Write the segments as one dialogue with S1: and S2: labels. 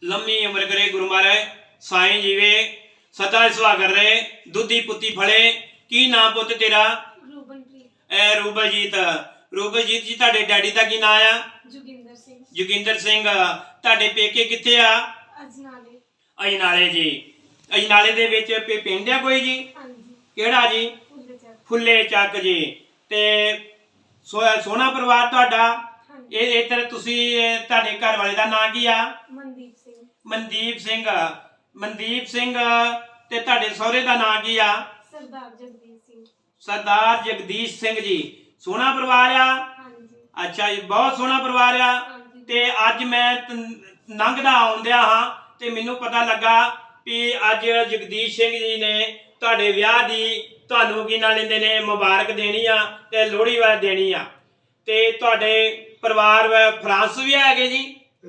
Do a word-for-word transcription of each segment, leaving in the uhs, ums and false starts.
S1: लम्मी उम्र करे गुरु महाराज साईं जीवे सदा सुहागर रहे दुधी पुती फले। की नाम पुत तेरा? ए रूबलजीत। रूबलजीत जी तुहाडे डैडी दा की नाम आ?
S2: जोगिंदर सिंह।
S1: जोगिंदर सिंह। तुहाडे पेके कित्थे आ?
S2: अजनाले।
S1: अजनाले जी। अजनाले दे विच पिंड आ कोई जी? केड़ा जी? फुल्ले चक जी। ते सो सोहना परिवार तुहाडा? ਇਹ ਇੱਧਰ ਤੁਸੀਂ ਤੁਹਾਡੇ ਘਰ ਵਾਲੇ ਦਾ ਨਾਂ ਕੀ ਆ?
S2: ਮਨਦੀਪ ਸਿੰਘ।
S1: ਮਨਦੀਪ ਸਿੰਘ। ਮਨਦੀਪ ਸਿੰਘ ਤੇ ਤੁਹਾਡੇ ਸਹੁਰੇ ਦਾ ਨਾਂ ਕੀ ਆ?
S2: ਸਰਦਾਰ ਜਗਦੀਸ਼ ਸਿੰਘ।
S1: ਸਰਦਾਰ ਜਗਦੀਸ਼ ਸਿੰਘ ਜੀ। ਸੋਹਣਾ ਪਰਿਵਾਰ ਆ?
S2: ਹਾਂਜੀ।
S1: ਅੱਛਾ ਜੀ, ਬਹੁਤ ਸੋਹਣਾ ਪਰਿਵਾਰ ਆ। ਤੇ ਅੱਜ ਮੈਂ ਲੰਘਦਾ ਆਉਂਦਿਆ ਹਾਂ ਤੇ ਮੈਨੂੰ ਪਤਾ ਲੱਗਾ ਵੀ ਅੱਜ ਜਗਦੀਸ਼ ਸਿੰਘ ਜੀ ਨੇ ਤੁਹਾਡੇ ਵਿਆਹ ਦੀ ਤੁਹਾਨੂੰ ਕੀ ਨਾਲ ਲੈਂਦੇ ਨੇ ਮੁਬਾਰਕ ਦੇਣੀ ਆ ਤੇ ਲੋਹੜੀ ਵਾ ਦੇਣੀ ਆ। ਤੇ ਤੁਹਾਡੇ परिवार फ्रांस भी है जी?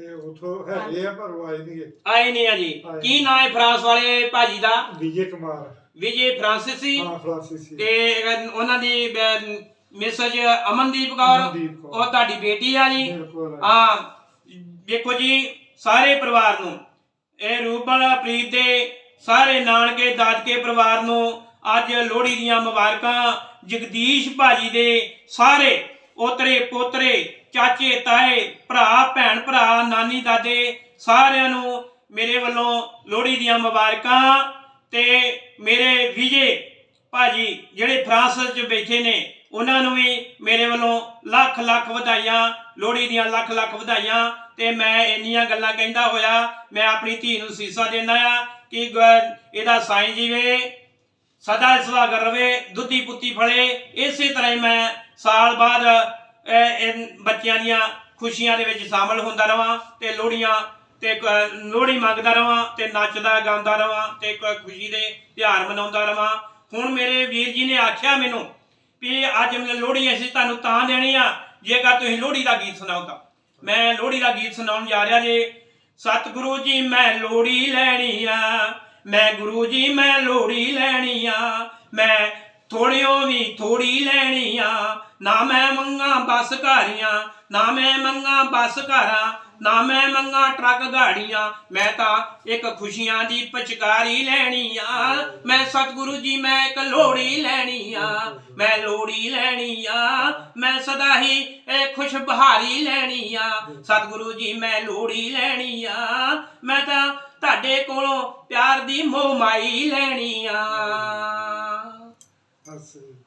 S1: आए नहीं है जी। की नाम है फ्रांस वाले भाजी दा?
S3: विजय कुमार।
S1: विजय फ्रांसीसी।
S3: हां फ्रांसीसी।
S1: ते उन्हां दी मिसेज अमनदीप कौर और ਤੁਹਾਡੀ बेटी आ जी। हां देखो जी सारे परिवार ਨੂੰ ਇਹ ਰੂਬਲ ਪ੍ਰੀਤ ਦੇ ਸਾਰੇ ਨਾਨਕੇ ਦਾਦਕੇ ਪਰਿਵਾਰ ਨੂੰ ਅੱਜ ਲੋਹੜੀ ਦੀਆਂ ਮੁਬਾਰਕਾਂ। ਜਗਦੀਸ਼ ਭਾਜੀ ਦੇ ਸਾਰੇ ओतरे पोतरे चाचे ताए भरा भैन भरा नानी दादे सारिਆਂ ਨੂੰ मेरे ਵੱਲੋਂ लोहड़ी ਦੀਆਂ ਮੁਬਾਰਕਾਂ। ਤੇ मेरे विजय भाजी ਜਿਹੜੇ फ्रांस ਚ ਬੈਠੇ ਨੇ ਉਹਨਾਂ ਨੂੰ ਵੀ ਮੇਰੇ ਵੱਲੋਂ ਲੱਖ ਲੱਖ ਵਧਾਈਆਂ। लोहड़ी ਦੀਆਂ ਲੱਖ ਲੱਖ ਵਧਾਈਆਂ। ਤੇ ਮੈਂ ਇੰਨੀਆਂ ਗੱਲਾਂ ਕਹਿੰਦਾ ਹੋਇਆ ਮੈਂ ਆਪਣੀ ਧੀ ਨੂੰ ਸੀਸਾ ਦਿੰਦਾ ਆ ਕਿ ਇਹਦਾ ਸਾਈਂ ਜੀਵੇ सदा सुहागर रवे दुधी पुती फले। इसे तरह ही मैं साल बाद बच्चों दियां खुशियां दे विच शामिल होंदा रवां ते लोहड़ियां ते लोहड़ी मंगदा रवां ते नचदा गांदा रवां ते खुशी दे त्योहार मनाउंदा रवां। हुण मेरे वीर जी ने आख्या मैनूं भी अज लोहड़ी असीं तुहानूं तां देनी आ जेकर तुसीं लोहड़ी दा गीत सुणाओ तां। मैं लोहड़ी दा गीत सुणाउण जा रिहा जी। सतगुरु जी मैं लोहड़ी लैणी आ, मैं गुरु जी मैं लोहड़ी लैनी आ, मैं थोड़ियों भी थोड़ी लैनी आ। ना मैं मंगा बस घारियां ना मैं मंगा बस घारा ना मैं मंगा ट्रक गाड़ियां मैं तां एक खुशियां दी पचकारी लैनी आ। मैं सतगुरु जी मैं एक लोहड़ी लैनी आ, मैं लोहड़ी लैनी आ, मैं सदा ही खुश बहारी लैनी आ। सतगुरु जी मैं लोहड़ी लैनी आ, मैं तां ਤੁਹਾਡੇ ਕੋਲੋਂ प्यार दी मोह माई लैनी आ।